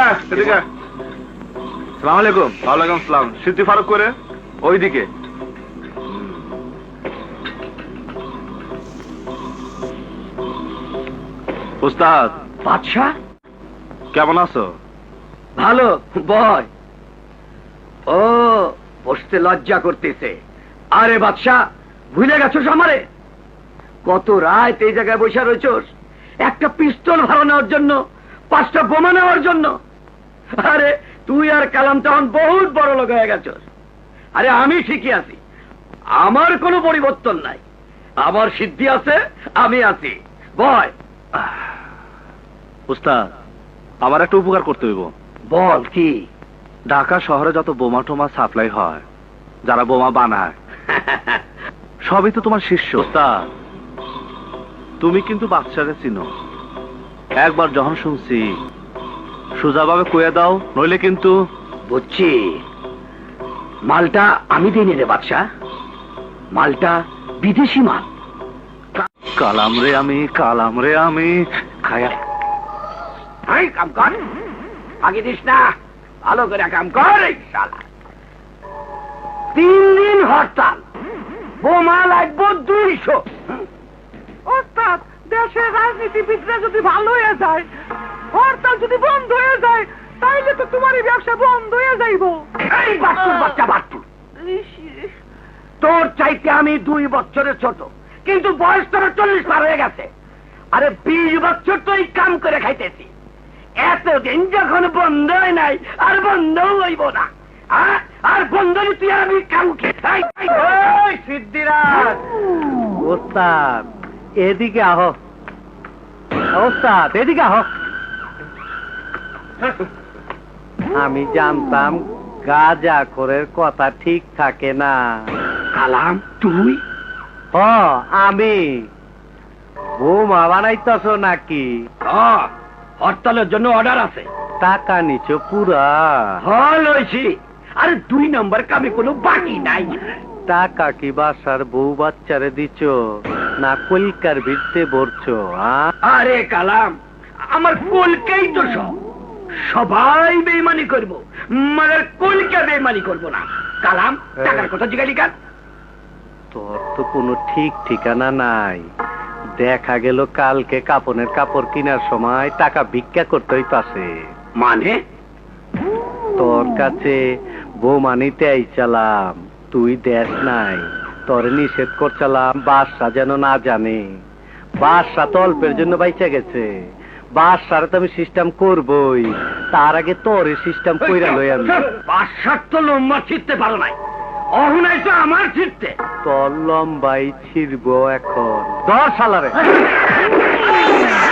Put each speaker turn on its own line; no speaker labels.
এদিকে সালাম আলাইকুম। ওয়ালাইকুম সালাম। সিদ্ধি ফারুক করে ওইদিকে। উস্তাদ।
বাদশাহ
কেমন আছো?
ভালো। বয় ও বসতে লজ্জা করতেছে। আরে বাদশাহ ভুলে গেছোস আমারে? কত রাত এই জায়গায় বসে রয়েছোস একটা পিস্তল ভাড়া নেওয়ার জন্য, 5টা বোমা নেওয়ার জন্য। আরে তুই আর কালাম তখন বহুত বড় লোক হয়ে গেছোস। আরে আমি ঠিকই আছি, আমার কোনো পরিবর্তন নাই। আমার সিদ্ধি আছে, আমি আছি। বয়।
উস্তাদ আমার একটা উপকার করতে হইব।
বল কি?
ঢাকা শহরে যত বোমা টোমা সাপ্লাই হয়, যারা বোমা বানায় সবই তো তোমার শিষ্য। উস্তাদ তুমি কিন্তু বাদশারে চিনো। একবার যখন শুনছি সোজাভাবে কয়ে দাও, নইলে কিন্তু।
বুঝছি, মালটা আমি দিই রে বাদশাহ, মালটা বিদেশি মাল।
কালাম রে আমি খায়া।
কাম কর, আগে দিস না, ভালো করে কাম কর। 3 দিন হরতাল, বোমা লাগবো 200।
ওস্তাদ দেশের রাজনীতিবিদরা যদি ভালো হয়ে যায়, হরতাল যদি বন্ধ হয়ে যায়, তাইলে তো তোমারই ব্যবসা বন্ধ হয়ে যাইব।
এই বাট্টুর বাচ্চা বাট্টুর, তোর চাইতে আমি 2 বছরের ছোট, কিন্তু বয়স তোর 40 পার হয়ে গেছে। আরে 20 বছর তো এই কাম করে খাইতেছি, এতদিন যখন বন্ধ হয় নাই আর বন্ধও হইব না। আর বন্ধ তুই আর আমি কাম খেয়ে সিদ্ধিরাজ।
ওস্তাদ এদিকে আহ, ওস্তাদ এদিকে আহ। আমি জানতাম গাঁজাখোরের কথা ঠিক থাকে না।
কালাম তুই?
আমি বোমা বানাইতেছ নাকি?
হরতালের জন্য অর্ডার আছে।
টাকা নিছো পুরা?
লইছি। আরে 2 নম্বর কামে কোনো বাকি নাই।
টাকা কি বাসার বউ বাচ্চারে দিছ না কলকার ভিড়তে ভরছো?
আরে কালাম, আমার কলকেই তো সব, সবাই বেইমানি করবো, মगर কলকে বেইমানি করবো না। কালাম টাকার কথা জিজ্ঞাসা কর।
তোর তো কোনো ঠিক ঠিকানা নাই। দেখা গেল কালকে কাপড়ের কাপড় কেনার সময় টাকা ভিক্ষা করতে হইতাছে।
মানে?
তোর কাছে বোমা নিতে আইছিলাম, তুই দেখ নাই। তোরে নিষেধ করছিলাম বাদশা যেন না জানে। বাদশা তো অল্পের জন্য বাইচা গেছে, বাদশারে তো আমি সিস্টেম করবই, তার আগে তোরে সিস্টেম কইরা লই আমি।
বাদশার তো লম্বা ছিটতে পারো নাই, অহনাই তো আমার ছিটতে।
তোর লম্বাই ছিড়বো এখন। 10 সালারে